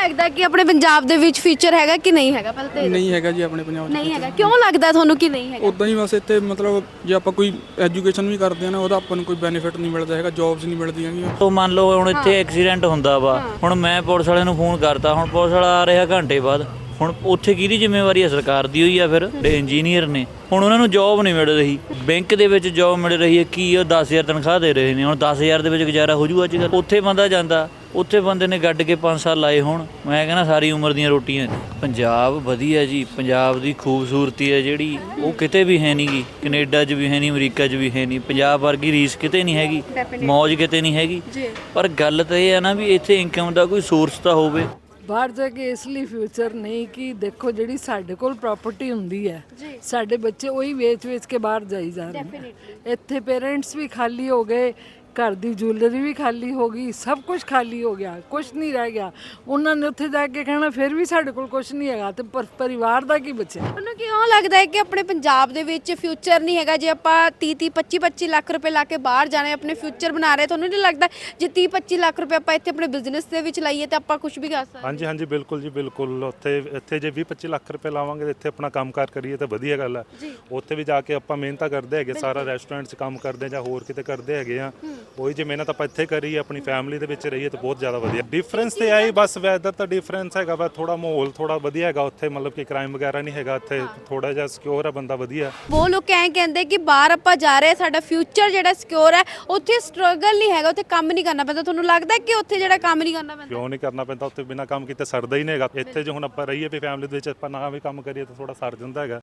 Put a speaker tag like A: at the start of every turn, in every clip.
A: ਲੱਗਦਾ ਕਿ ਆਪਣੇ ਪੰਜਾਬ ਦੇ ਵਿੱਚ ਫਿਊਚਰ ਹੈਗਾ ਕਿ ਨਹੀਂ ਹੈਗਾ? ਪਹਿਲਾਂ ਤਾਂ
B: ਨਹੀਂ ਹੈਗਾ ਜੀ ਆਪਣੇ ਪੰਜਾਬ 'ਚ।
A: ਨਹੀਂ ਹੈਗਾ, ਕਿਉਂ ਲੱਗਦਾ ਤੁਹਾਨੂੰ ਕਿ ਨਹੀਂ ਹੈਗਾ?
B: ਉਦਾਂ ਹੀ ਬਸ ਇੱਥੇ ਮਤਲਬ ਜੇ ਆਪਾਂ ਕੋਈ ਐਜੂਕੇਸ਼ਨ ਵੀ ਕਰਦੇ ਆ ਨਾ ਉਹਦਾ ਆਪਾਂ ਨੂੰ ਕੋਈ ਬੈਨੀਫਿਟ ਨਹੀਂ ਮਿਲਦਾ ਹੈਗਾ, ਜੌਬਸ ਨਹੀਂ ਮਿਲਦੀਆਂ ਹੈਗੀਆਂ।
C: ਤੋ ਮੰਨ ਲਓ ਹੁਣ ਇੱਥੇ ਐਕਸੀਡੈਂਟ ਹੁੰਦਾ ਵਾ, ਹੁਣ ਮੈਂ ਪੁਲਿਸ ਵਾਲਿਆਂ ਨੂੰ ਫੋਨ ਕਰਤਾ, ਹੁਣ ਪੁਲਿਸ ਵਾਲਾ ਆ ਰਿਹਾ ਘੰਟੇ ਬਾਅਦ, ਹੁਣ ਉੱਥੇ ਕਿਹਦੀ ਜ਼ਿੰਮੇਵਾਰੀ ਹੈ? ਸਰਕਾਰ ਦੀ ਹੋਈ ਆ। ਫਿਰ ਜਿਹੜੇ ਇੰਜੀਨੀਅਰ ਨੇ ਹੁਣ ਉਹਨਾਂ ਨੂੰ ਜੌਬ ਨਹੀਂ ਮਿਲ ਰਹੀ, ਬੈਂਕ ਦੇ ਵਿੱਚ ਜੌਬ ਮਿਲ ਰਹੀ ਹੈ, ਕੀ ਉਹ 10,000 ਤਨਖਾਹ ਦੇ ਰਹੇ ਨੇ, ਹੁਣ 10,000 ਦੇ ਵਿੱਚ ਗੁਜ਼ਾਰਾ ਹੋ ਜੂ ਅੱਜ ਕੱਲ੍ਹ? ਉੱਥੇ ਬੰਦਾ ਜਾਂਦਾ, ਉੱਥੇ ਬੰਦੇ ਨੇ ਗੱਡ ਕੇ 5 ਸਾਲ ਲਾਏ ਹੋਣ, ਮੈਂ ਕਹਿੰਦਾ ਸਾਰੀ ਉਮਰ ਦੀਆਂ ਰੋਟੀਆਂ। ਪੰਜਾਬ ਵਧੀਆ ਜੀ, ਪੰਜਾਬ ਦੀ ਖੂਬਸੂਰਤੀ ਹੈ ਜਿਹੜੀ ਉਹ ਕਿਤੇ ਵੀ ਹੈ ਨਹੀਂ ਗੀ, ਕੈਨੇਡਾ 'ਚ ਵੀ ਹੈ ਨਹੀਂ, ਅਮਰੀਕਾ 'ਚ ਵੀ ਹੈ ਨਹੀਂ, ਪੰਜਾਬ ਵਰਗੀ ਰੀਸ ਕਿਤੇ ਨਹੀਂ ਹੈਗੀ, ਮੌਜ ਕਿਤੇ ਨਹੀਂ ਹੈਗੀ। ਪਰ ਗੱਲ ਤਾਂ ਇਹ ਹੈ ਨਾ ਵੀ ਇੱਥੇ ਇਨਕਮ ਦਾ ਕੋਈ ਸੋਰਸ ਤਾਂ ਹੋਵੇ।
D: ਬਾਹਰ ਜਾ ਕੇ ਇਸ ਲਈ ਫਿਊਚਰ ਨਹੀਂ ਕਿ ਦੇਖੋ ਜਿਹੜੀ ਸਾਡੇ ਕੋਲ ਪ੍ਰਾਪਰਟੀ ਹੁੰਦੀ ਹੈ, ਸਾਡੇ ਬੱਚੇ ਉਹੀ ਵੇਚ ਕੇ ਬਾਹਰ ਜਾਈ ਜਾ ਰਹੇ ਨੇ। ਇੱਥੇ ਪੇਰੈਂਟਸ ਵੀ ਖਾਲੀ ਹੋ ਗਏ, ਘਰ ਦੀ ਜੁਐਲਰੀ ਵੀ ਖਾਲੀ ਹੋ ਗਈ, ਸਭ ਕੁਝ ਖਾਲੀ ਹੋ ਗਿਆ, ਕੁਝ ਨਹੀਂ ਰਹਿ ਗਿਆ। ਉਹਨਾਂ ਨੇ ਉੱਥੇ ਜਾ ਕੇ ਕਹਿਣਾ ਫਿਰ ਵੀ ਸਾਡੇ ਕੋਲ ਕੁਝ ਨਹੀਂ ਹੈਗਾ, ਤੇ ਪਰਿਵਾਰ ਦਾ ਕੀ ਬਚਿਆ?
A: ਤੁਹਾਨੂੰ ਕਿਉਂ ਲੱਗਦਾ ਹੈ ਕਿ ਆਪਣੇ ਪੰਜਾਬ ਦੇ ਵਿੱਚ ਫਿਊਚਰ ਨਹੀਂ ਹੈਗਾ? ਜੇ ਆਪਾਂ 30 25 ਲੱਖ ਰੁਪਏ ਲਾ ਕੇ ਬਾਹਰ ਜਾਣਾ, ਆਪਣੇ ਫਿਊਚਰ ਬਣਾ ਰਹੇ, ਤੁਹਾਨੂੰ ਨਹੀਂ ਲੱਗਦਾ ਜੇ 30 25 ਲੱਖ ਰੁਪਏ ਆਪਾਂ ਇੱਥੇ ਆਪਣੇ ਬਿਜ਼ਨਸ ਦੇ ਵਿੱਚ ਲਾਈਏ ਤਾਂ ਆਪਾਂ ਕੁਝ ਵੀ ਕਰ ਸਕਦੇ?
E: ਹਾਂਜੀ ਹਾਂਜੀ ਬਿਲਕੁਲ ਜੀ ਬਿਲਕੁਲ। ਇੱਥੇ ਜੇ 20 25 ਲੱਖ ਰੁਪਏ ਲਾਵਾਂਗੇ ਤੇ ਇੱਥੇ ਆਪਣਾ ਕੰਮਕਾਰ ਕਰੀਏ ਤਾਂ ਵਧੀਆ ਗੱਲ ਹੈ। ਉੱਥੇ ਵੀ ਜਾ ਕੇ ਆਪਾਂ ਮਿਹਨਤਾਂ ਕਰਦੇ ਹੈਗੇ, ਸਾਰਾ ਰੈਸਟੋਰੈਂਟ 'ਚ ਕੰਮ ਕਰਦੇ ਜਾਂ ਹੋਰ ਕਿਤੇ ਕਰਦੇ ਹੈਗੇ ਆ, ਉਹੀ ਜੇ ਮਿਹਨਤ ਆਪਾਂ ਇੱਥੇ ਕਰੀਏ, ਆਪਣੀ ਫੈਮਿਲੀ ਦੇ ਵਿੱਚ ਰਹੀਏ ਤਾਂ ਬਹੁਤ ਜ਼ਿਆਦਾ ਵਧੀਆ। ਡਿਫਰੈਂਸ ਤੇ ਆਈ ਬਸ ਵੈਦਰ ਦਾ ਡਿਫਰੈਂਸ ਹੈਗਾ ਵਾ, ਥੋੜਾ ਮਾਹੌਲ ਥੋੜਾ ਵਧੀਆ ਹੈਗਾ ਉੱਥੇ, ਮਤਲਬ ਕਿ ਕ੍ਰਾਈਮ ਵਗੈਰਾ ਨਹੀਂ ਹੈਗਾ ਇੱਥੇ, ਥੋੜਾ ਜਿਹਾ ਸਿਕਿਉਰ ਹੈ ਬੰਦਾ ਵਧੀਆ।
A: ਉਹ ਲੋਕ ਐਂ ਕਹਿੰਦੇ ਕਿ ਬਾਹਰ ਆਪਾਂ ਜਾ ਰਹੇ, ਸਾਡਾ ਫਿਊਚਰ ਜਿਹੜਾ ਸਿਕਿਉਰ ਹੈ, ਉੱਥੇ ਸਟਰਗਲ ਨਹੀਂ ਹੈਗਾ, ਉੱਥੇ ਕੰਮ ਨਹੀਂ ਕਰਨਾ ਪੈਂਦਾ। ਤੁਹਾਨੂੰ ਲੱਗਦਾ ਕਿ ਉੱਥੇ ਜਿਹੜਾ ਕੰਮ ਨਹੀਂ ਕਰਨਾ ਪੈਂਦਾ?
E: ਕਿਉਂ ਨਹੀਂ ਕਰਨਾ ਪੈਂਦਾ? ਉੱਥੇ ਬਿਨਾਂ ਕੰਮ ਕੀਤੇ ਸਰਦਾ ਹੀ ਨਹੀਂ ਹੈਗਾ। ਇੱਥੇ ਜੇ ਹੁਣ ਆਪਾਂ ਰਹੀਏ ਵੀ ਫੈਮਿਲੀ ਦੇ ਵਿੱਚ, ਆਪਾਂ ਨਾ ਵੀ ਕੰਮ ਕਰੀਏ ਤਾਂ ਥੋੜਾ ਸਰ ਜਾਂਦਾ ਹੈਗਾ।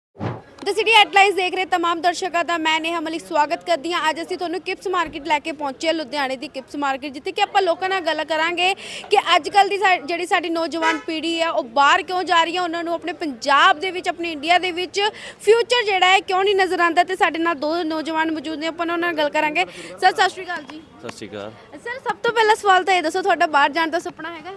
A: ਦ ਸਿਟੀ ਹੈਡਲਾਈਨਸ ਦੇਖ ਰਹੇ तमाम ਦਰਸ਼ਕਾਂ ਦਾ ਮੈਂ ਨੇਹਾ ਮਲਿਕ ਸਵਾਗਤ ਕਰਦੀ ਹਾਂ। ਅੱਜ ਅਸੀਂ ਤੁਹਾਨੂੰ ਕਿਪਸ ਮਾਰਕੀਟ ਲੈ ਕੇ ਪਹੁੰਚੇ, ਲੁਧਿਆਣੇ ਦੀ ਕਿਪਸ ਮਾਰਕੀਟ, ਜਿੱਥੇ ਕਿ ਆਪਾਂ ਲੋਕਾਂ ਨਾਲ ਗੱਲ ਕਰਾਂਗੇ ਕਿ ਅੱਜ ਕੱਲ੍ਹ ਦੀ ਜਿਹੜੀ ਸਾਡੀ ਨੌਜਵਾਨ ਪੀੜ੍ਹੀ ਹੈ ਉਹ ਬਾਹਰ ਕਿਉਂ ਜਾ ਰਹੀ ਹੈ, ਉਹਨਾਂ ਨੂੰ ਆਪਣੇ ਪੰਜਾਬ ਦੇ ਵਿੱਚ, ਆਪਣੇ ਇੰਡੀਆ ਦੇ ਵਿੱਚ ਫਿਊਚਰ ਜਿਹੜਾ ਹੈ ਕਿਉਂ ਨਹੀਂ ਨਜ਼ਰ ਆਉਂਦਾ। ਤੇ ਸਾਡੇ ਨਾਲ ਦੋ ਨੌਜਵਾਨ ਮੌਜੂਦ ਨੇ, ਆਪਾਂ ਉਹਨਾਂ ਨਾਲ ਗੱਲ ਕਰਾਂਗੇ। ਸਰ ਸਤਿ ਸ਼੍ਰੀ ਅਕਾਲ ਜੀ।
F: ਸਤਿ ਸ਼੍ਰੀ ਅਕਾਲ
A: ਸਰ, ਸਭ ਤੋਂ ਪਹਿਲਾ ਸਵਾਲ ਤਾਂ ਇਹ ਦੱਸੋ, ਤੁਹਾਡਾ ਬਾਹਰ ਜਾਣ ਦਾ ਸੁਪਨਾ ਹੈਗਾ?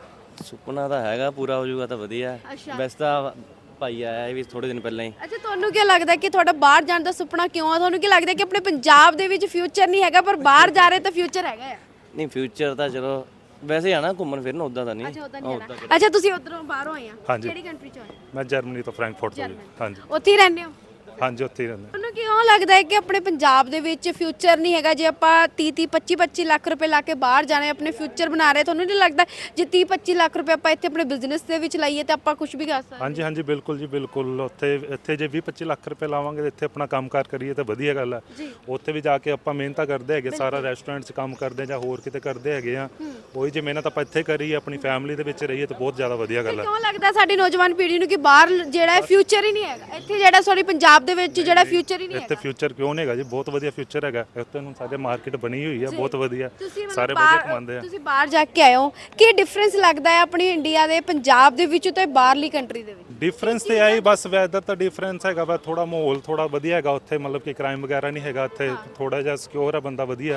F: ਸੁਪਨਾ ਤਾਂ ਹੈਗਾ, ਪੂਰਾ ਹੋ ਜਾਊਗਾ ਤਾਂ ਵਧੀਆ। ਵੈਸੇ ਤਾਂ ਭਾਈ ਆਇਆ ਇਹ ਵੀ ਥੋੜੇ ਦਿਨ ਪਹਿਲਾਂ ਹੀ।
A: ਅੱਛਾ, ਤੁਹਾਨੂੰ ਕੀ ਲੱਗਦਾ ਕਿ ਤੁਹਾਡਾ ਬਾਹਰ ਜਾਣ ਦਾ ਸੁਪਨਾ ਕਿਉਂ ਆ? ਤੁਹਾਨੂੰ ਕੀ ਲੱਗਦਾ ਕਿ ਆਪਣੇ ਪੰਜਾਬ ਦੇ ਵਿੱਚ ਫਿਊਚਰ ਨਹੀਂ ਹੈਗਾ ਪਰ ਬਾਹਰ ਜਾ ਰਹੇ ਤਾਂ ਫਿਊਚਰ ਹੈਗਾ ਆ?
F: ਨਹੀਂ, ਫਿਊਚਰ ਤਾਂ ਚਲੋ ਵੈਸੇ ਆਣਾ ਘੁੰਮਣ ਫਿਰਨ, ਉਦਾਂ ਤਾਂ ਨਹੀਂ।
A: ਅੱਛਾ, ਤੁਸੀਂ ਉਧਰੋਂ ਬਾਹਰੋਂ ਆਏ ਆ?
E: ਹਾਂਜੀ।
A: ਕਿਹੜੀ ਕੰਟਰੀ ਚੋਂ ਆਏ?
E: ਮੈਂ ਜਰਮਨੀ ਤੋਂ, ਫਰੈਂਕਫਰਟ ਤੋਂ। ਹਾਂਜੀ।
A: ਉੱਥੇ ਹੀ ਰਹਿੰਦੇ ਹੋ?
E: ਹਾਂਜੀ, ਉੱਥੇ ਹੀ ਰਹਿੰਦੇ।
A: ਤੁਹਾਨੂੰ ਕਿਉਂ ਲੱਗਦਾ ਹੈ ਕਿ ਆਪਣੇ ਪੰਜਾਬ ਦੇ ਵਿੱਚ ਫਿਊਚਰ ਨਹੀਂ ਹੈਗਾ? ਜੇ ਆਪਾਂ 30 25 ਲੱਖ ਰੁਪਏ ਲਾ ਕੇ ਬਾਹਰ ਜਾਣਾ, ਆਪਣੇ ਫਿਊਚਰ ਬਣਾ ਰਹੇ, ਤੁਹਾਨੂੰ ਨਹੀਂ ਲੱਗਦਾ ਜੇ 30 25 ਲੱਖ ਰੁਪਏ ਆਪਾਂ ਇੱਥੇ ਆਪਣੇ ਬਿਜ਼ਨਸ ਦੇ ਵਿੱਚ ਲਾਈਏ ਤਾਂ ਆਪਾਂ ਕੁਝ ਵੀ ਕਰ ਸਕਦੇ?
E: ਹਾਂਜੀ ਹਾਂਜੀ ਬਿਲਕੁਲ ਜੀ ਬਿਲਕੁਲ। ਇੱਥੇ ਜੇ 20 25 ਲੱਖ ਰੁਪਏ ਲਾਵਾਂਗੇ ਤੇ ਇੱਥੇ ਆਪਣਾ ਕੰਮਕਾਰ ਕਰੀਏ ਤਾਂ ਵਧੀਆ ਗੱਲ ਹੈ। ਉੱਥੇ ਵੀ ਜਾ ਕੇ ਆਪਾਂ ਮਿਹਨਤਾਂ ਕਰਦੇ ਹੈਗੇ, ਸਾਰਾ ਰੈਸਟੋਰੈਂਟ 'ਚ ਕੰਮ ਕਰਦੇ ਜਾਂ ਹੋਰ ਕਿਤੇ ਕਰਦੇ ਹੈਗੇ ਆ, ਉਹੀ ਜੇ ਮਿਹਨਤ ਆਪਾਂ ਇੱਥੇ ਕਰੀਏ, ਆਪਣੀ ਫੈਮਿਲੀ ਦੇ ਵਿੱਚ ਰਹੀਏ ਤਾਂ ਬਹੁਤ ਜ਼ਿਆਦਾ ਵਧੀਆ ਗੱਲ ਹੈ।
A: ਕਿਉਂ ਲੱਗਦਾ ਸਾਡੀ ਨੌਜਵਾਨ ਪੀੜ੍ਹੀ ਨੂੰ ਕਿ ਬਾਹਰ ਜਿਹੜਾ ਫਿਊਚਰ ਹੀ ਨਹੀਂ ਹੈਗਾ, ਇੱਥੇ ਜਿਹੜਾ ਸੌਰੀ ਪੰਜਾਬ ਦੇ ਵਿੱਚ ਜਿਹੜਾ ਫਿਊਚਰ ਹੀ ਨਹੀਂ ਹੈਗਾ?
E: ਇੱਥੇ ਫਿਊਚਰ ਕਿਉਂ ਨਹੀਂ ਹੈਗਾ ਜੀ? ਬਹੁਤ ਵਧੀਆ ਫਿਊਚਰ ਹੈਗਾ ਇੱਥੇ। ਹੁਣ ਸਾਡੇ ਮਾਰਕੀਟ ਬਣੀ ਹੋਈ ਹੈ ਬਹੁਤ ਵਧੀਆ, ਸਾਰੇ ਵਧੀਆ ਕਮਾਉਂਦੇ ਆ।
A: ਤੁਸੀਂ ਬਾਹਰ ਜਾ ਕੇ ਆਏ ਹੋ, ਕੀ ਡਿਫਰੈਂਸ ਲੱਗਦਾ ਹੈ ਆਪਣੀ ਇੰਡੀਆ ਦੇ, ਪੰਜਾਬ ਦੇ ਵਿੱਚ ਤੇ ਬਾਹਰਲੀ ਕੰਟਰੀ ਦੇ ਵਿੱਚ?
E: ਡਿਫਰੈਂਸ ਤੇ ਆਈ ਬਸ ਵੈਦਰ ਦਾ ਡਿਫਰੈਂਸ ਹੈਗਾ ਵਾ, ਥੋੜਾ ਮਾਹੌਲ ਥੋੜਾ ਵਧੀਆ ਹੈਗਾ ਉੱਥੇ, ਮਤਲਬ ਕਿ ਕ੍ਰਾਈਮ ਵਗੈਰਾ ਨਹੀਂ ਹੈਗਾ ਇੱਥੇ, ਥੋੜਾ ਜਿਹਾ ਸਿਕਿਉਰ ਹੈ ਬੰਦਾ ਵਧੀਆ।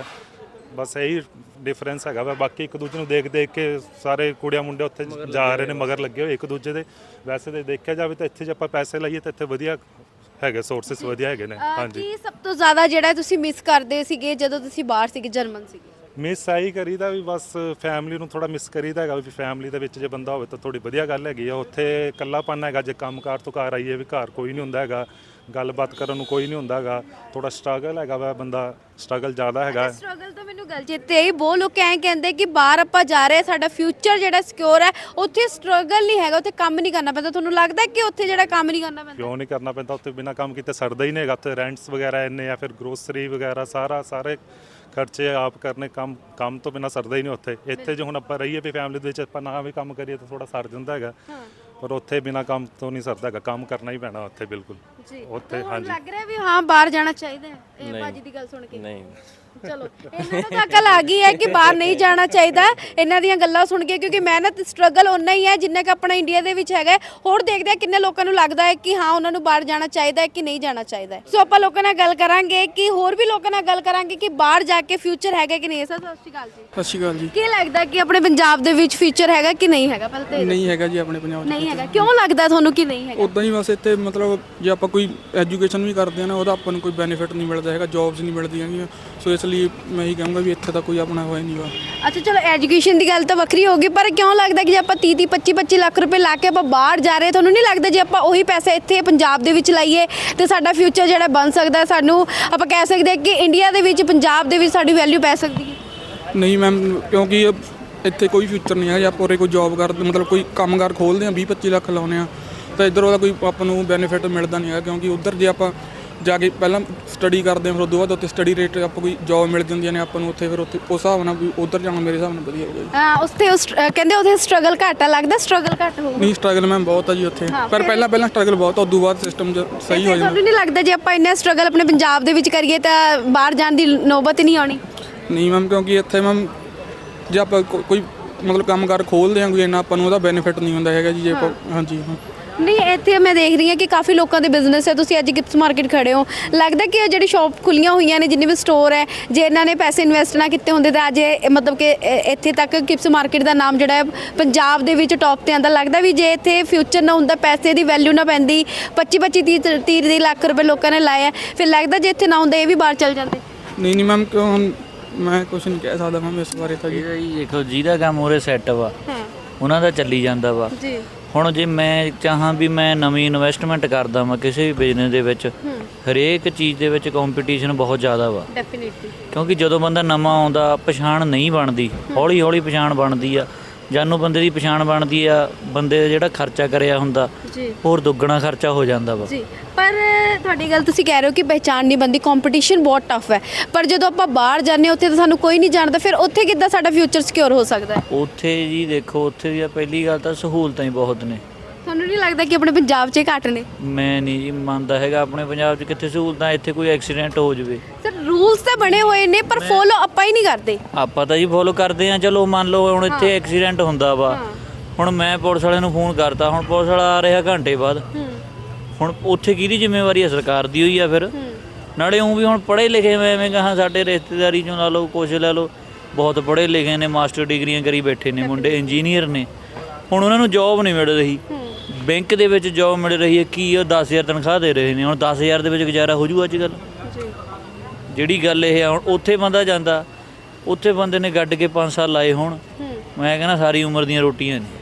E: ਬਸ ਇਹੀ ਡਿਫਰੈਂਸ ਹੈਗਾ ਵਾ। ਬਾਕੀ ਇੱਕ ਦੂਜੇ ਨੂੰ ਦੇਖ ਦੇਖ ਕੇ ਸਾਰੇ ਕੁੜੀਆਂ ਮੁੰਡੇ ਉੱਥੇ ਜਾ ਰਹੇ ਨੇ, ਮਗਰ ਲੱਗੇ ਹੋਏ ਇੱਕ ਦੂਜੇ ਦੇ। ਵੈਸੇ ਤੇ ਦੇਖਿਆ ਜਾਵੇ ਤਾਂ ਇੱਥੇ ਜੇ ਆਪਾਂ ਪੈਸੇ ਲਾਈਏ ਤਾਂ ਇੱਥੇ ਵਧੀਆ ਹੈਗੇ, ਸੋਰਸਸ ਵਧੀਆ ਹੈਗੇ ਨੇ। ਹਾਂਜੀ।
A: ਕੀ ਸਭ ਤੋਂ ਜ਼ਿਆਦਾ ਜਿਹੜਾ ਤੁਸੀਂ ਮਿਸ ਕਰਦੇ ਸੀਗੇ ਜਦੋਂ ਤੁਸੀਂ ਬਾਹਰ ਸੀਗੇ, ਜਰਮਨ ਸੀਗੇ?
E: ਮਿਸ ਆਈ ਕਰੀਦਾ ਵੀ ਬਸ ਫੈਮਿਲੀ ਨੂੰ ਥੋੜਾ ਮਿਸ ਕਰੀਦਾ ਹੈਗਾ ਵੀ ਫੈਮਿਲੀ ਦੇ ਵਿੱਚ ਜੇ ਬੰਦਾ ਹੋਵੇ ਤਾਂ ਥੋੜੀ ਵਧੀਆ ਗੱਲ ਹੈਗੀ ਆ। ਉੱਥੇ ਇਕੱਲਾਪਨ ਹੈਗਾ, ਜੇ ਕੰਮਕਾਰ ਤੋਂ ਘਰ ਆਈਏ ਵੀ ਘਰ ਕੋਈ ਨਹੀਂ ਹੁੰਦਾ ਹੈਗਾ, ਗੱਲਬਾਤ ਕਰਨ ਨੂੰ ਕੋਈ ਨਹੀਂ ਹੁੰਦਾ ਹੈਗਾ, ਥੋੜਾ ਸਟਰਗਲ ਹੈਗਾ ਵਾ, ਬੰਦਾ ਸਟਰਗਲ ਜ਼ਿਆਦਾ ਹੈਗਾ।
A: ਸਟਰਗਲ ਤਾਂ ਮੈਨੂੰ ਗੱਲ ਚੇਤੇ ਆਈ, ਬਹੁਤ ਲੋਕ ਐਂ ਕਹਿੰਦੇ ਕਿ ਬਾਹਰ ਆਪਾਂ ਜਾ ਰਹੇ, ਸਾਡਾ ਫਿਊਚਰ ਜਿਹੜਾ ਸਿਕਿਉਰ ਹੈ, ਉੱਥੇ ਸਟਰਗਲ ਨਹੀਂ ਹੈਗਾ, ਉੱਥੇ ਕੰਮ ਨਹੀਂ ਕਰਨਾ ਪੈਂਦਾ। ਤੁਹਾਨੂੰ ਲੱਗਦਾ ਕਿ ਉੱਥੇ ਜਿਹੜਾ ਕੰਮ ਨਹੀਂ ਕਰਨਾ ਪੈਂਦਾ?
E: ਕਿਉਂ ਨਹੀਂ ਕਰਨਾ ਪੈਂਦਾ? ਉੱਥੇ ਬਿਨਾਂ ਕੰਮ ਕੀਤੇ ਸਰਦਾ ਹੀ ਨਹੀਂ ਹੈਗਾ। ਉੱਥੇ ਰੈਂਟਸ ਵਗੈਰਾ ਇੰਨੇ ਆ, ਫਿਰ ਗਰੋਸਰੀ ਵਗੈਰਾ ਸਾਰੇ ਖਰਚੇ ਆਪ ਕਰਨੇ, ਕੰਮ ਤੋਂ ਬਿਨਾਂ ਸਰਦਾ ਹੀ ਨਹੀਂ ਉੱਥੇ। ਇੱਥੇ ਜੇ ਹੁਣ ਆਪਾਂ ਰਹੀਏ ਵੀ ਫੈਮਿਲੀ ਦੇ ਵਿੱਚ, ਆਪਾਂ ਨਾ ਵੀ ਕੰਮ ਕਰੀਏ ਤਾਂ ਥੋੜਾ ਸਰ ਜਾਂਦਾ ਹੈਗਾ, ਪਰ ਉੱਥੇ ਬਿਨਾਂ ਕੰਮ ਤੋਂ ਨਹੀਂ ਸਰਦਾ ਹੈਗਾ, ਕੰਮ ਕਰਨਾ ਹੀ ਪੈਣਾ ਉੱਥੇ ਬਿਲਕੁਲ। ਉੱਥੇ ਹਾਂਜੀ
A: ਲੱਗ ਰਿਹਾ ਵੀ ਹਾਂ ਬਾਹਰ ਜਾਣਾ ਚਾਹੀਦਾ ਹੈ ਇਹ ਬਾਜੀ ਦੀ ਗੱਲ ਸੁਣ ਕੇ?
F: ਨਹੀਂ,
A: ਚਲੋ ਇਹਨਾਂ ਨੂੰ ਤਾਂ ਅਕਲ ਆ ਗਈ ਹੈ ਕਿ ਬਾਹਰ ਨਹੀਂ ਜਾਣਾ ਚਾਹੀਦਾ ਇਹਨਾਂ ਦੀਆਂ ਗੱਲਾਂ ਸੁਣ ਕੇ, ਕਿਉਂਕਿ ਮਿਹਨਤ ਸਟਰਗਲ ਉਨਾ ਹੀ ਹੈ ਜਿੰਨਾ ਕਿ ਆਪਣਾ ਇੰਡੀਆ ਦੇ ਵਿੱਚ ਹੈਗਾ। ਹੋਰ ਦੇਖਦੇ ਆ ਕਿੰਨੇ ਲੋਕਾਂ ਨੂੰ ਲੱਗਦਾ ਹੈ ਕਿ ਹਾਂ ਉਹਨਾਂ ਨੂੰ ਬਾਹਰ ਜਾਣਾ ਚਾਹੀਦਾ ਹੈ ਕਿ ਨਹੀਂ ਜਾਣਾ ਚਾਹੀਦਾ। ਸੋ ਆਪਾਂ ਲੋਕਾਂ ਨਾਲ ਗੱਲ ਕਰਾਂਗੇ ਕਿ ਹੋਰ ਵੀ ਲੋਕਾਂ ਨਾਲ ਗੱਲ ਕਰਾਂਗੇ ਕਿ ਬਾਹਰ ਜਾ ਕੇ ਫਿਊਚਰ ਹੈਗਾ ਕਿ ਨਹੀਂ। ਸਰ ਸਤਿ ਸ਼੍ਰੀ ਅਕਾਲ ਜੀ।
B: ਸਤਿ ਸ਼੍ਰੀ ਅਕਾਲ ਜੀ।
A: ਕੀ ਲੱਗਦਾ ਕਿ ਆਪਣੇ ਪੰਜਾਬ ਦੇ ਵਿੱਚ ਫਿਊਚਰ ਹੈਗਾ ਕਿ ਨਹੀਂ ਹੈਗਾ? ਪਹਿਲਾਂ ਤਾਂ
B: ਨਹੀਂ ਹੈਗਾ ਜੀ ਆਪਣੇ ਪੰਜਾਬ 'ਚ।
A: ਨਹੀਂ ਹੈਗਾ, ਕਿਉਂ ਲੱਗਦਾ ਤੁਹਾਨੂੰ ਕਿ ਨਹੀਂ ਹੈਗਾ?
B: ਉਦਾਂ ਹੀ ਬਸ ਇੱਥੇ ਮਤਲਬ ਜੇ ਆਪਾਂ ਕੋਈ ਐਜੂਕੇਸ਼ਨ ਵੀ ਕਰਦੇ ਆ ਨਾ ਉਹਦਾ ਆਪਾਂ ਨੂੰ ਕੋਈ ਬੈਨੀਫਿਟ ਨਹੀਂ ਮਿਲਦਾ ਹੈਗਾ, ਜੌਬਸ ਨਹੀਂ ਮਿਲਦੀਆਂ ਹੈਗੀਆਂ, ਸੋ ਇਸ ਲਈ ਮੈਂ ਇਹੀ ਕਹਾਂਗਾ ਵੀ ਇੱਥੇ ਤਾਂ ਕੋਈ ਆਪਣਾ ਹੋਇਆ ਨਹੀਂ ਵਾ।
A: ਅੱਛਾ ਚਲੋ ਐਜੂਕੇਸ਼ਨ ਦੀ ਗੱਲ ਤਾਂ ਵੱਖਰੀ ਹੋ ਗਈ, ਪਰ ਕਿਉਂ ਲੱਗਦਾ ਕਿ ਜੇ ਆਪਾਂ 30 25 ਲੱਖ ਰੁਪਏ ਲਾ ਕੇ ਆਪਾਂ ਬਾਹਰ ਜਾ ਰਹੇ, ਤੁਹਾਨੂੰ ਨਹੀਂ ਲੱਗਦਾ ਜੇ ਆਪਾਂ ਉਹੀ ਪੈਸੇ ਇੱਥੇ ਪੰਜਾਬ ਦੇ ਵਿੱਚ ਲਾਈਏ ਤੇ ਸਾਡਾ ਫਿਊਚਰ ਜਿਹੜਾ ਬਣ ਸਕਦਾ, ਸਾਨੂੰ ਆਪਾਂ ਕਹਿ ਸਕਦੇ ਹਾਂ ਕਿ ਇੰਡੀਆ ਦੇ ਵਿੱਚ ਪੰਜਾਬ ਦੇ ਵਿੱਚ ਸਾਡੀ ਵੈਲਿਊ ਪੈ ਸਕਦੀ ਹੈ?
B: ਨਹੀਂ ਮੈਮ, ਕਿਉਂਕਿ ਇੱਥੇ ਕੋਈ ਫਿਊਚਰ ਨਹੀਂ ਹੈ। ਜੇ ਆਪਾਂ ਉਰੇ ਕੋਈ ਜੌਬ ਕਰਦੇ ਮਤਲਬ ਕੋਈ ਕੰਮਕਾਰ ਖੋਲ੍ਹਦੇ ਹਾਂ 20 25 ਲੱਖ ਲਾਉਂਦੇ ਹਾਂ ਤਾਂ ਇੱਧਰ ਉਹਦਾ ਕੋਈ ਆਪਾਂ ਨੂੰ ਬੈਨੀਫਿਟ ਮਿਲਦਾ ਨਹੀਂ ਹੈ, ਕਿਉਂਕਿ ਉੱਧਰ ਜੇ ਆਪਾਂ ਜਾ ਕੇ ਪਹਿਲਾਂ ਸਟੱਡੀ ਕਰਦੇ ਹਾਂ ਫਿਰ ਉਦੋਂ ਬਾਅਦ ਉੱਥੇ ਸਟੱਡੀ ਰੇਟ ਆਪਾਂ ਕੋਈ ਜੌਬ ਮਿਲ ਜਾਂਦੀਆਂ ਨੇ ਆਪਾਂ ਨੂੰ ਉੱਥੇ, ਫਿਰ ਉੱਥੇ ਉਸ ਹਿਸਾਬ ਨਾਲ ਵੀ ਉੱਧਰ ਜਾਣਾ ਮੇਰੇ ਹਿਸਾਬ ਨਾਲ ਵਧੀਆ ਹੋਊਗਾ ਜੀ।
A: ਕਹਿੰਦੇ ਉੱਥੇ ਸਟਰਗਲ ਘੱਟ ਆ, ਲੱਗਦਾ ਸਟਰਗਲ ਘੱਟ ਹੋਊਗਾ?
B: ਨਹੀਂ ਸਟਰਗਲ ਮੈਮ ਬਹੁਤ ਆ ਜੀ ਉੱਥੇ, ਪਰ ਪਹਿਲਾਂ ਸਟਰਗਲ ਬਹੁਤ ਆ, ਉਦੋਂ ਬਾਅਦ ਸਿਸਟਮ ਸਹੀ ਹੋ ਜਾਂਦਾ।
A: ਤੁਹਾਨੂੰ ਨਹੀਂ ਲੱਗਦਾ ਜੇ ਆਪਾਂ ਇੰਨਾ ਸਟਰਗਲ ਆਪਣੇ ਪੰਜਾਬ ਦੇ ਵਿੱਚ ਕਰੀਏ ਤਾਂ ਬਾਹਰ ਜਾਣ ਦੀ ਨੌਬਤ ਹੀ ਨਹੀਂ ਆਉਣੀ?
B: ਨਹੀਂ ਮੈਮ, ਕਿਉਂਕਿ ਇੱਥੇ ਮੈਮ ਜੇ ਆਪਾਂ ਕੋਈ ਮਤਲਬ ਕੰਮਕਾਰ ਖੋਲ੍ਹਦੇ ਹਾਂ ਕੋਈ ਇੰਨਾ ਆਪਾਂ ਨੂੰ ਉਹਦਾ ਬੈਨੀਫਿਟ ਨਹੀਂ ਹੁੰਦਾ ਹੈਗਾ ਜੀ ਜੇ ਆਪਾਂ ਹਾਂਜੀ ਹਾਂ।
A: ਨਹੀਂ ਇੱਥੇ ਮੈਂ ਦੇਖ ਰਹੀ ਹਾਂ ਕਿ ਕਾਫੀ ਲੋਕਾਂ ਦੇ ਬਿਜ਼ਨਸ ਹੈ, ਤੁਸੀਂ ਅੱਜ ਗਿਫਟਸ ਮਾਰਕੀਟ ਖੜੇ ਹੋ, ਲੱਗਦਾ ਕਿ ਇਹ ਜਿਹੜੀ ਸ਼ਾਪ ਖੁੱਲੀਆਂ ਹੋਈਆਂ ਨੇ ਜਿੰਨੇ ਵੀ ਸਟੋਰ ਹੈ, ਜੇ ਇਹਨਾਂ ਨੇ ਪੈਸੇ ਇਨਵੈਸਟ ਨਾ ਕੀਤੇ ਹੁੰਦੇ ਤਾਂ ਅੱਜ ਮਤਲਬ ਕਿ ਇੱਥੇ ਤੱਕ ਗਿਫਟਸ ਮਾਰਕੀਟ ਦਾ ਨਾਮ ਜਿਹੜਾ ਹੈ ਪੰਜਾਬ ਦੇ ਵਿੱਚ ਟੌਪ ਤੇ ਆਉਂਦਾ। ਲੱਗਦਾ ਵੀ ਜੇ ਇੱਥੇ ਫਿਊਚਰ ਨਾ ਹੁੰਦਾ, ਪੈਸੇ ਦੀ ਵੈਲਿਊ ਨਾ ਪੈਂਦੀ, 25 30 ਲੱਖ ਰੁਪਏ ਲੋਕਾਂ ਨੇ ਲਾਇਆ, ਫਿਰ ਲੱਗਦਾ ਜੇ ਇੱਥੇ ਨਾ ਹੁੰਦਾ ਇਹ ਵੀ ਬਾਹਰ ਚਲ ਜਾਂਦੇ?
B: ਨਹੀਂ ਮੈਮ, ਕਿਉਂ ਹੁਣ ਮੈਂ ਕੁਛ ਨਹੀਂ ਕਹਿ ਸਕਦਾ ਮੈਮ ਇਸ ਬਾਰੇ ਤਾਂ ਜੀ।
C: ਜੀ ਦੇਖੋ ਜਿਹਦਾ ਕੰਮ ਉਰੇ ਸੈੱਟ ਵਾ ਉਹਨਾਂ ਦਾ ਚੱਲੀ ਜਾਂਦਾ ਵਾ
A: ਜੀ।
C: ਹੁਣ ਜੇ ਮੈਂ ਚਾਹਾਂ ਵੀ ਮੈਂ ਨਵੀਂ ਇਨਵੈਸਟਮੈਂਟ ਕਰਦਾ ਵਾਂ ਕਿਸੇ ਵੀ ਬਿਜ਼ਨਸ ਦੇ ਵਿੱਚ, ਹਰੇਕ ਚੀਜ਼ ਦੇ ਵਿੱਚ ਕੰਪੀਟੀਸ਼ਨ ਬਹੁਤ ਜ਼ਿਆਦਾ ਵਾ।
A: ਡੈਫੀਨਿਟਲੀ,
C: ਕਿਉਂਕਿ ਜਦੋਂ ਬੰਦਾ ਨਵਾਂ ਆਉਂਦਾ ਪਛਾਣ ਨਹੀਂ ਬਣਦੀ, ਹੌਲੀ ਹੌਲੀ ਪਛਾਣ ਬਣਦੀ ਆ। ਜਾਨੂੰ ਬੰਦੇ ਦੀ ਪਛਾਣ ਬਣਦੀ ਆ, ਬੰਦੇ ਦਾ ਜਿਹੜਾ ਖਰਚਾ ਕਰਿਆ ਹੁੰਦਾ
A: ਜੀ,
C: ਹੋਰ ਦੁੱਗਣਾ ਖਰਚਾ ਹੋ ਜਾਂਦਾ ਵਾ।
A: ਜੀ। ਪਰ ਤੁਹਾਡੀ ਗੱਲ ਤੁਸੀਂ ਕਹਿ ਰਹੇ ਹੋ ਕਿ ਪਹਿਚਾਣ ਨਹੀਂ ਬਣਦੀ, ਕੰਪੀਟੀਸ਼ਨ ਬਹੁਤ ਟਫ ਹੈ, ਪਰ ਜਦੋਂ ਆਪਾਂ ਬਾਹਰ ਜਾਂਦੇ ਉੱਥੇ ਤਾਂ ਸਾਨੂੰ ਕੋਈ ਨਹੀਂ ਜਾਣਦਾ, ਫਿਰ ਉੱਥੇ ਕਿੱਦਾਂ ਸਾਡਾ ਫਿਊਚਰ ਸਿਕਿਉਰ ਹੋ ਸਕਦਾ ਹੈ?
C: ਉੱਥੇ ਜੀ ਦੇਖੋ, ਉੱਥੇ ਦੀ ਪਹਿਲੀ ਗੱਲ ਤਾਂ ਸਹੂਲਤਾਂ ਹੀ ਬਹੁਤ ਨੇ।
A: ਤੁਹਾਨੂੰ ਨਹੀਂ ਲੱਗਦਾ ਕਿ ਆਪਣੇ ਪੰਜਾਬ 'ਚ ਘੱਟ ਨੇ?
C: ਮੈਂ ਨਹੀਂ ਜੀ ਮੰਨਦਾ ਹੈਗਾ ਆਪਣੇ ਪੰਜਾਬ 'ਚ ਕਿੱਥੇ ਸਹੂਲਤਾਂ, ਇੱਥੇ ਕੋਈ ਐਕਸੀਡੈਂਟ ਹੋ ਜਾਵੇ।
A: ਸਰ ਰੂਲਸ ਤਾਂ ਬਣੇ ਹੋਏ ਨੇ ਪਰ ਫੋਲੋ ਆਪਾਂ ਹੀ ਨਹੀਂ ਕਰਦੇ।
C: ਆਪਾਂ ਤਾਂ ਜੀ ਫੋਲੋ ਕਰਦੇ ਆ, ਚਲੋ ਮੰਨ ਲਓ ਹੁਣ ਇੱਥੇ ਐਕਸੀਡੈਂਟ ਹੁੰਦਾ ਵਾ, ਹੁਣ ਮੈਂ ਪੁਲਿਸ ਵਾਲਿਆਂ ਨੂੰ ਫੋਨ ਕਰਤਾ, ਹੁਣ ਪੁਲਿਸ ਵਾਲਾ ਆ ਰਿਹਾ ਘੰਟੇ ਬਾਅਦ, ਹੁਣ ਉੱਥੇ ਕਿਹਦੀ ਜ਼ਿੰਮੇਵਾਰੀ ਹੈ? ਸਰਕਾਰ ਦੀ ਹੋਈ ਆ ਫਿਰ। ਨਾਲੇ ਉਹ ਵੀ ਹੁਣ ਪੜ੍ਹੇ ਲਿਖੇ ਮੈਂ ਐਵੇਂ ਕਹਾਂ, ਸਾਡੇ ਰਿਸ਼ਤੇਦਾਰੀ 'ਚੋਂ ਲਾ ਲਓ, ਕੁਛ ਲੈ ਲਓ, ਬਹੁਤ ਪੜ੍ਹੇ ਲਿਖੇ ਨੇ, ਮਾਸਟਰ ਡਿਗਰੀਆਂ ਕਰੀ ਬੈਠੇ ਨੇ ਮੁੰਡੇ, ਇੰਜੀਨੀਅਰ ਨੇ, ਹੁਣ ਉਹਨਾਂ ਨੂੰ ਜੌਬ ਨਹੀਂ ਮਿਲ ਰਹੀ। ਬੈਂਕ ਦੇ ਵਿੱਚ ਜੌਬ ਮਿਲ ਰਹੀ ਹੈ, ਕੀ ਉਹ 10,000 ਤਨਖਾਹ ਦੇ ਰਹੇ ਨੇ, ਹੁਣ 10,000 ਦੇ ਵਿੱਚ ਗੁਜ਼ਾਰਾ ਹੋ ਜੂ ਅੱਜ ਕੱਲ੍ਹ? ਜਿਹੜੀ ਗੱਲ ਇਹ ਆ, ਹੁਣ ਉੱਥੇ ਬੰਦਾ ਜਾਂਦਾ, ਉੱਥੇ ਬੰਦੇ ਨੇ ਗੱਡ ਕੇ 5 ਸਾਲ ਲਾਏ, ਹੁਣ ਮੈਂ ਕਹਿੰਦਾ ਸਾਰੀ ਉਮਰ ਦੀਆਂ ਰੋਟੀਆਂ ਨੇ।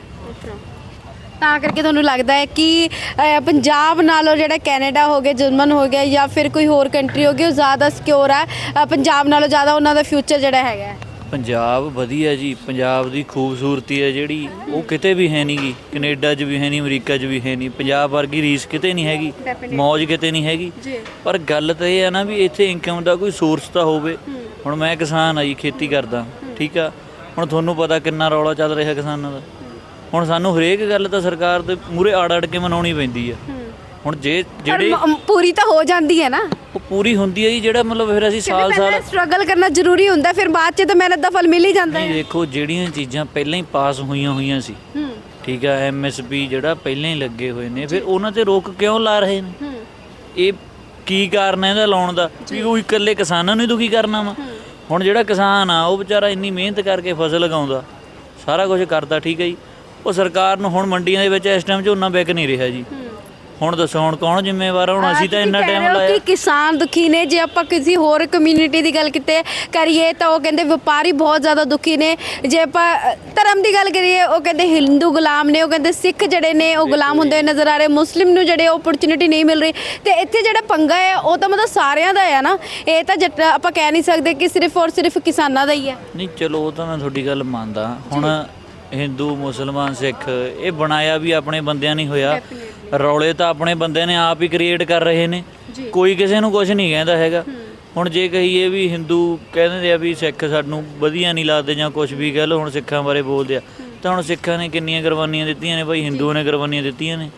A: ਤਾਂ ਕਰਕੇ ਤੁਹਾਨੂੰ ਲੱਗਦਾ ਹੈ ਕਿ ਪੰਜਾਬ ਨਾਲੋਂ ਜਿਹੜਾ ਕੈਨੇਡਾ ਹੋ ਗਿਆ, ਜਰਮਨ ਹੋ ਗਿਆ, ਜਾਂ ਫਿਰ ਕੋਈ ਹੋਰ ਕੰਟਰੀ ਹੋ ਗਈ, ਉਹ ਜ਼ਿਆਦਾ ਸਿਕਿਉਰ ਹੈ ਪੰਜਾਬ ਨਾਲੋਂ ਜ਼ਿਆਦਾ, ਉਹਨਾਂ ਦਾ ਫਿਊਚਰ ਜਿਹੜਾ ਹੈਗਾ ਹੈ?
C: ਪੰਜਾਬ ਵਧੀਆ ਜੀ, ਪੰਜਾਬ ਦੀ ਖੂਬਸੂਰਤੀ ਹੈ ਜਿਹੜੀ ਉਹ ਕਿਤੇ ਵੀ ਹੈ ਨਹੀਂ ਗੀ, ਕੈਨੇਡਾ 'ਚ ਵੀ ਹੈ ਨਹੀਂ, ਅਮਰੀਕਾ 'ਚ ਵੀ ਹੈ ਨਹੀਂ, ਪੰਜਾਬ ਵਰਗੀ ਰੀਸ ਕਿਤੇ ਨਹੀਂ ਹੈਗੀ, ਮੌਜ ਕਿਤੇ ਨਹੀਂ ਹੈਗੀ। ਪਰ ਗੱਲ ਤਾਂ ਇਹ ਹੈ ਨਾ ਵੀ ਇੱਥੇ ਇਨਕਮ ਦਾ ਕੋਈ ਸੋਰਸ ਤਾਂ ਹੋਵੇ। ਹੁਣ ਮੈਂ ਕਿਸਾਨ ਆ ਜੀ, ਖੇਤੀ ਕਰਦਾ, ਠੀਕ ਆ, ਹੁਣ ਤੁਹਾਨੂੰ ਪਤਾ ਕਿੰਨਾ ਰੌਲਾ ਚੱਲ ਰਿਹਾ ਕਿਸਾਨਾਂ ਦਾ। ਹੁਣ ਸਾਨੂੰ ਹਰੇਕ ਗੱਲ ਤਾਂ ਸਰਕਾਰ ਦੇ ਮੂਹਰੇ ਆੜ ਕੇ ਮਨਾਉਣੀ ਪੈਂਦੀ ਆ। ਹੁਣ ਜਿਹੜੇ
A: ਪੂਰੀ ਤਾਂ ਹੋ ਜਾਂਦੀ ਹੈ ਨਾ,
C: ਉਹ ਪੂਰੀ ਹੁੰਦੀ ਹੈ ਜੀ, ਜਿਹੜਾ ਮਤਲਬ ਫਿਰ ਅਸੀਂ ਸਾਲ
A: ਸਟਰਗਲ ਕਰਨਾ ਜ਼ਰੂਰੀ ਹੁੰਦਾ, ਫਿਰ ਬਾਅਦ 'ਚ ਤਾਂ ਮਿਹਨਤ ਦਾ ਫਲ ਮਿਲ ਹੀ ਜਾਂਦਾ ਹੈ।
C: ਦੇਖੋ ਜਿਹੜੀਆਂ ਚੀਜ਼ਾਂ ਪਹਿਲਾਂ ਹੀ ਪਾਸ ਹੋਈਆਂ ਸੀ, ਠੀਕ ਆ, MSP ਜਿਹੜਾ ਪਹਿਲਾਂ ਹੀ ਲੱਗੇ ਹੋਏ ਨੇ, ਫਿਰ ਉਹਨਾਂ ਤੇ ਰੋਕ ਕਿਉਂ ਲਾ ਰਹੇ ਨੇ? ਇਹ ਕੀ ਕਾਰਨ ਹੈ ਇਹਦਾ ਲਾਉਣ ਦਾ? ਵੀ ਉਹ ਇਕੱਲੇ ਕਿਸਾਨਾਂ ਨੂੰ ਹੀ ਦੁਖੀ ਕਰਨਾ ਵਾ? ਹੁਣ ਜਿਹੜਾ ਕਿਸਾਨ ਆ ਉਹ ਵਿਚਾਰਾ ਇੰਨੀ ਮਿਹਨਤ ਕਰਕੇ ਫਸਲ ਲਗਾਉਂਦਾ, ਸਾਰਾ ਕੁਝ ਕਰਦਾ, ਠੀਕ ਹੈ ਜੀ, ਉਹ ਸਰਕਾਰ ਨੂੰ ਹੁਣ ਮੰਡੀਆਂ ਦੇ ਵਿੱਚ ਇਸ ਟਾਈਮ ਝੋਨਾ ਵਿਕ ਨਹੀਂ ਰਿਹਾ ਜੀ। ਹੁਣ ਦੱਸੋ ਹੁਣ ਕੌਣ ਜ਼ਿੰਮੇਵਾਰ? ਹੁਣ ਅਸੀਂ ਤਾਂ ਇੰਨਾ ਟਾਈਮ ਲਾਇਆ
A: ਕਿ ਕਿਸਾਨ ਦੁਖੀ ਨੇ। ਜੇ ਆਪਾਂ ਕਿਸੇ ਹੋਰ ਕਮਿਊਨਿਟੀ ਦੀ ਗੱਲ ਕਰੀਏ ਤਾਂ ਉਹ ਕਹਿੰਦੇ ਵਪਾਰੀ ਬਹੁਤ ਜ਼ਿਆਦਾ ਦੁਖੀ ਨੇ। ਜੇ ਆਪਾਂ ਧਰਮ ਦੀ ਗੱਲ ਕਰੀਏ, ਉਹ ਕਹਿੰਦੇ ਹਿੰਦੂ ਗੁਲਾਮ ਨੇ, ਉਹ ਕਹਿੰਦੇ ਸਿੱਖ ਜਿਹੜੇ ਨੇ ਉਹ ਗੁਲਾਮ ਹੁੰਦੇ ਨਜ਼ਰ ਆ ਰਹੇ, ਮੁਸਲਿਮ ਨੂੰ ਜਿਹੜੇ ਓਪਰਚੁਨਿਟੀ ਨਹੀਂ ਮਿਲ ਰਹੀ। ਤੇ ਇੱਥੇ ਜਿਹੜਾ ਪੰਗਾ ਹੈ ਉਹ ਤਾਂ ਮਤਲਬ ਸਾਰਿਆਂ ਦਾ ਹੈ ਨਾ, ਇਹ ਤਾਂ ਆਪਾਂ ਕਹਿ ਨਹੀਂ ਸਕਦੇ ਕਿ ਸਿਰਫ ਔਰ ਸਿਰਫ ਕਿਸਾਨਾਂ ਦਾ ਹੀ ਹੈ।
C: ਨਹੀਂ ਚਲੋ ਉਹ ਤਾਂ ਮੈਂ ਤੁਹਾਡੀ ਗੱਲ ਮੰਨਦਾ। ਹੁਣ ਹਿੰਦੂ ਮੁਸਲਮਾਨ ਸਿੱਖ ਇਹ ਬਣਾਇਆ ਵੀ ਆਪਣੇ ਬੰਦਿਆਂ ਨਹੀਂ ਹੋਇਆ, ਰੌਲੇ ਤਾਂ ਆਪਣੇ ਬੰਦੇ ਨੇ ਆਪ ਹੀ ਕ੍ਰੀਏਟ ਕਰ ਰਹੇ ਨੇ, ਕੋਈ ਕਿਸੇ ਨੂੰ ਕੁਝ ਨਹੀਂ ਕਹਿੰਦਾ ਹੈਗਾ। ਹੁਣ ਜੇ ਕਹੀਏ ਵੀ ਹਿੰਦੂ ਕਹਿੰਦੇ ਆ ਵੀ ਸਿੱਖ ਸਾਨੂੰ ਵਧੀਆ ਨਹੀਂ ਲੱਗਦੇ ਜਾਂ ਕੁਝ ਵੀ ਕਹਿ ਲਓ, ਹੁਣ ਸਿੱਖਾਂ ਬਾਰੇ ਬੋਲਦੇ ਆ, ਤਾਂ ਹੁਣ ਸਿੱਖਾਂ ਨੇ ਕਿੰਨੀਆਂ ਕੁਰਬਾਨੀਆਂ ਦਿੱਤੀਆਂ ਨੇ ਭਾਈ, ਹਿੰਦੂਆਂ ਨੇ ਕੁਰਬਾਨੀਆਂ ਦਿੱਤੀਆਂ ਨੇ।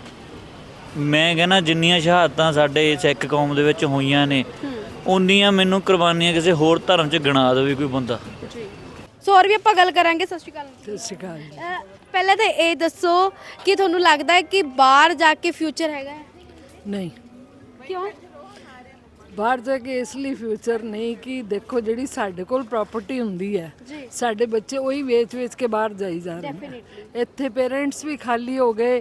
C: ਮੈਂ ਕਹਿੰਦਾ ਜਿੰਨੀਆਂ ਸ਼ਹਾਦਤਾਂ ਸਾਡੇ ਸਿੱਖ ਕੌਮ ਦੇ ਵਿੱਚ ਹੋਈਆਂ ਨੇ, ਉਨੀਆਂ ਮੈਨੂੰ ਕੁਰਬਾਨੀਆਂ ਕਿਸੇ ਹੋਰ ਧਰਮ 'ਚ ਗਿਣਾ ਦੇਵੇ ਕੋਈ ਬੰਦਾ।
A: ਸੋ ਹੋਰ ਵੀ ਆਪਾਂ ਗੱਲ ਕਰਾਂਗੇ। ਸਤਿ ਸ਼੍ਰੀ ਅਕਾਲ।
D: ਸਤਿ ਸ਼੍ਰੀ ਅਕਾਲ।
A: ਪਹਿਲਾਂ ਤਾਂ ਇਹ ਦੱਸੋ ਕਿ ਤੁਹਾਨੂੰ ਲੱਗਦਾ ਹੈ ਕਿ ਬਾਹਰ ਜਾ ਕੇ ਫਿਊਚਰ ਹੈਗਾ ਹੈ?
D: ਨਹੀਂ,
A: ਕਿਉਂ?
D: ਬਾਹਰ ਜਾ ਕੇ ਇਸ ਲਈ ਫਿਊਚਰ ਨਹੀਂ ਕਿ ਦੇਖੋ ਜਿਹੜੀ ਸਾਡੇ ਕੋਲ ਪ੍ਰਾਪਰਟੀ ਹੁੰਦੀ ਹੈ, ਸਾਡੇ ਬੱਚੇ ਉਹੀ ਵੇਚ ਕੇ ਬਾਹਰ ਜਾਈ ਜਾ ਰਹੇ ਨੇ। ਇੱਥੇ ਪੇਰੈਂਟਸ ਵੀ ਖਾਲੀ ਹੋ ਗਏ,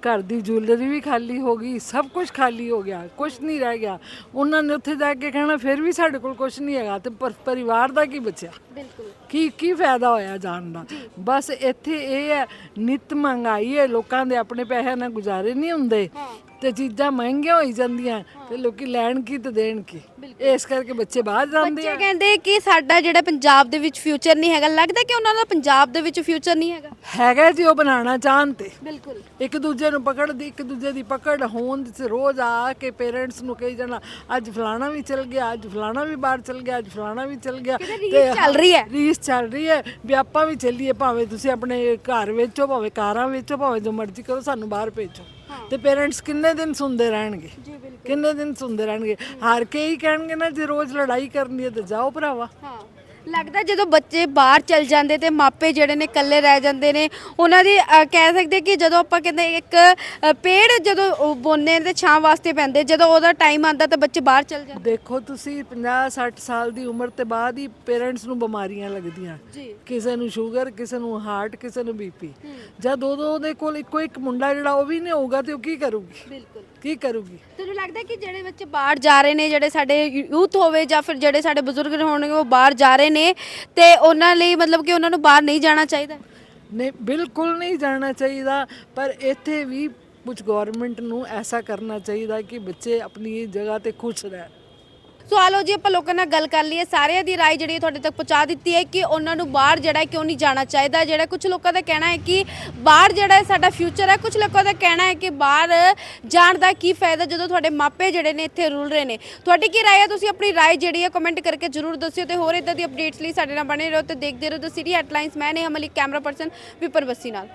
D: ਘਰ ਦੀ ਜੁਐਲਰੀ ਵੀ ਖਾਲੀ ਹੋ ਗਈ, ਸਭ ਕੁਝ ਖਾਲੀ ਹੋ ਗਿਆ, ਕੁਝ ਨਹੀਂ ਰਹਿ ਗਿਆ। ਉਹਨਾਂ ਨੇ ਉੱਥੇ ਜਾ ਕੇ ਕਹਿਣਾ ਫਿਰ ਵੀ ਸਾਡੇ ਕੋਲ ਕੁਝ ਨਹੀਂ ਹੈਗਾ, ਤੇ ਪਰਿਵਾਰ ਦਾ ਕੀ ਬਚਿਆ?
A: ਬਿਲਕੁਲ
D: ਕੀ ਫਾਇਦਾ ਹੋਇਆ ਜਾਣ ਦਾ? ਬਸ ਇੱਥੇ ਇਹ ਹੈ, ਨਿਤ ਮਹਿੰਗਾਈ ਹੈ, ਲੋਕਾਂ ਦੇ ਆਪਣੇ ਪੈਸੇ ਨਾਲ ਗੁਜ਼ਾਰੇ ਨਹੀਂ ਹੁੰਦੇ ਤੇ ਚੀਜ਼ਾਂ ਮਹਿੰਗੀਆਂ ਹੋਈ ਜਾਂਦੀਆਂ ਤੇ ਲੋਕੀ ਲੈਣ ਕੀ ਤੇ ਦੇਣ ਕੀ। ਇਸ ਕਰਕੇ ਬੱਚੇ ਬਾਹਰ ਜਾਂਦੇ ਆ।
A: ਬੱਚੇ ਕਹਿੰਦੇ ਕਿ ਸਾਡਾ ਜਿਹੜਾ ਪੰਜਾਬ ਦੇ ਵਿੱਚ ਫਿਊਚਰ ਨਹੀਂ ਹੈਗਾ, ਲੱਗਦਾ ਕਿ ਉਹਨਾਂ ਦਾ ਪੰਜਾਬ ਦੇ ਵਿੱਚ ਫਿਊਚਰ ਨਹੀਂ ਹੈਗਾ?
D: ਹੈਗਾ ਜੀ, ਉਹ ਬਣਾਉਣਾ ਚਾਹਣ ਤੇ
A: ਬਿਲਕੁਲ
D: ਇੱਕ ਦੂਜੇ ਨੂੰ ਪਕੜਦੀ, ਇੱਕ ਦੂਜੇ ਦੀ ਪਕੜ ਹੋਣ ਤੇ ਰੋਜ਼ ਆ ਕੇ ਪੇਰੈਂਟਸ ਨੂੰ ਕਹੀ ਜਾਣਾ ਅੱਜ ਫਲਾਣਾ ਵੀ ਚਲ ਗਿਆ, ਅੱਜ ਫਲਾਣਾ ਵੀ ਬਾਹਰ ਚਲ ਗਿਆ, ਅੱਜ ਫਲਾਣਾ ਵੀ ਚਲ ਗਿਆ।
A: ਰੀਸ ਚੱਲ ਰਹੀ ਹੈ।
D: ਰੀਸ ਚੱਲ ਰਹੀ ਹੈ ਵੀ ਆਪਾਂ ਵੀ ਚੱਲੀਏ, ਭਾਵੇਂ ਤੁਸੀਂ ਆਪਣੇ ਘਰ ਵੇਚੋ, ਭਾਵੇਂ ਕਾਰਾਂ ਵੇਚੋ, ਭਾਵੇਂ ਜੋ ਮਰਜ਼ੀ ਕਰੋ, ਸਾਨੂੰ ਬਾਹਰ ਭੇਜੋ। ਤੇ ਪੇਰੈਂਟਸ ਕਿੰਨੇ ਦਿਨ ਸੁਣਦੇ ਰਹਿਣਗੇ? ਕਿੰਨੇ ਦਿਨ ਸੁਣਦੇ ਰਹਿਣਗੇ? ਹਾਰ ਕੇ ਹੀ ਕਹਿਣਗੇ ਨਾ, ਜੇ ਰੋਜ਼ ਲੜਾਈ ਕਰਨੀ ਹੈ ਤੇ ਜਾਓ ਭਰਾਵਾ।
A: ਹਾਂ, ਲੱਗਦਾ ਜਦੋਂ ਬੱਚੇ ਬਾਹਰ ਚਲ ਜਾਂਦੇ ਤੇ ਮਾਪੇ ਜਿਹੜੇ ਨੇ ਇਕੱਲੇ ਰਹਿ ਜਾਂਦੇ ਨੇ। ਉਹਨਾਂ ਦੀ ਕਹਿ ਸਕਦੇ ਕਿ ਜਦੋਂ ਆਪਾਂ ਕਹਿੰਦੇ ਇੱਕ ਪੇੜ ਜਦੋਂ ਬੋਨੇ ਤੇ ਛਾਂ ਵਾਸਤੇ ਪੈਂਦੇ, ਜਦੋਂ ਉਹਦਾ ਟਾਈਮ ਆਉਂਦਾ ਤਾਂ ਬੱਚੇ ਬਾਹਰ ਚਲ ਜਾਂਦੇ।
D: ਦੇਖੋ ਤੁਸੀਂ 50-60 ਸਾਲ ਦੀ ਉਮਰ ਤੇ ਬਾਅਦ ਹੀ ਪੇਰੈਂਟਸ ਨੂੰ ਬਿਮਾਰੀਆਂ ਲੱਗਦੀਆਂ, ਕਿਸੇ ਨੂੰ ਸ਼ੂਗਰ, ਕਿਸੇ ਨੂੰ ਹਾਰਟ, ਕਿਸੇ ਨੂੰ ਬੀਪੀ। ਜਦ ਉਦੋਂ ਉਹਦੇ ਕੋਲ ਇੱਕੋ ਇੱਕ ਮੁੰਡਾ ਜਿਹੜਾ ਉਹ ਵੀ ਨਹੀਂ ਹੋਊਗਾ ਤੇ ਉਹ ਕੀ ਕਰੂਗੀ?
A: ਬਿਲਕੁਲ
D: ਕੀ ਕਰੂਗੀ?
A: ਤੁਹਾਨੂੰ ਲੱਗਦਾ ਕਿ ਜਿਹੜੇ ਬੱਚੇ ਬਾਹਰ ਜਾ ਰਹੇ ਨੇ, ਜਿਹੜੇ ਸਾਡੇ ਯੂਥ ਹੋਵੇ ਜਾਂ ਫਿਰ ਜਿਹੜੇ ਸਾਡੇ ਬਜ਼ੁਰਗ ਹੋਣਗੇ, ਉਹ ਬਾਹਰ ਜਾ ਰਹੇ ਨੇ ਤੇ ਉਹਨਾਂ ਲਈ ਮਤਲਬ ਕਿ ਉਹਨਾਂ ਨੂੰ ਬਾਹਰ ਨਹੀਂ ਜਾਣਾ ਚਾਹੀਦਾ?
D: ਨਹੀਂ, ਬਿਲਕੁਲ ਨਹੀਂ ਜਾਣਾ ਚਾਹੀਦਾ, ਪਰ ਇੱਥੇ ਵੀ ਕੁਝ ਗਵਰਨਮੈਂਟ ਨੂੰ ਐਸਾ ਕਰਨਾ ਚਾਹੀਦਾ ਕਿ ਬੱਚੇ ਆਪਣੀ ਜਗ੍ਹਾ ਤੇ ਖੁਸ਼ ਰਹਿਣ।
A: ਸੋ ਆਲੋ ਜੀ, ਆਪਾਂ ਲੋਕਾਂ ਨਾਲ ਗੱਲ ਕਰ ਲਈਏ, ਸਾਰਿਆਂ ਦੀ ਰਾਏ ਜਿਹੜੀ ਤੁਹਾਡੇ ਤੱਕ ਪਹੁੰਚਾ ਦਿੱਤੀ ਹੈ ਕਿ ਉਹਨਾਂ ਨੂੰ ਬਾਹਰ ਜਿਹੜਾ ਕਿਉਂ ਨਹੀਂ ਜਾਣਾ ਚਾਹੀਦਾ। ਜਿਹੜਾ ਕੁਝ ਲੋਕਾਂ ਦਾ ਕਹਿਣਾ ਹੈ ਕਿ ਬਾਹਰ ਜਿਹੜਾ ਸਾਡਾ ਫਿਊਚਰ ਹੈ, ਕੁਝ ਲੋਕਾਂ ਦਾ ਕਹਿਣਾ ਹੈ ਕਿ ਬਾਹਰ ਜਾਣ ਦਾ ਕੀ ਫਾਇਦਾ ਜਦੋਂ ਤੁਹਾਡੇ ਮਾਪੇ ਜਿਹੜੇ ਨੇ ਇੱਥੇ ਰੁਲ ਰਹੇ ਨੇ। ਤੁਹਾਡੀ ਕੀ ਰਾਏ ਹੈ? ਤੁਸੀਂ ਆਪਣੀ ਰਾਏ ਜਿਹੜੀ ਹੈ ਕਮੈਂਟ ਕਰਕੇ ਜ਼ਰੂਰ ਦੱਸਿਓ ਤੇ ਹੋਰ ਇਦਾਂ ਦੀ ਅਪਡੇਟਸ ਲਈ ਸਾਡੇ ਨਾਲ ਬਣੇ ਰਹੋ ਤੇ ਦੇਖਦੇ ਰਹੋ ਦ ਸਿਟੀ ਹੈਡਲਾਈਨਸ। ਮੈਂ ਨੇਹਾ ਮਲਿਕ, ਕੈਮਰਾ ਪਰਸਨ ਵਿਪਰ ਬੱਸੀ ਨਾਲ।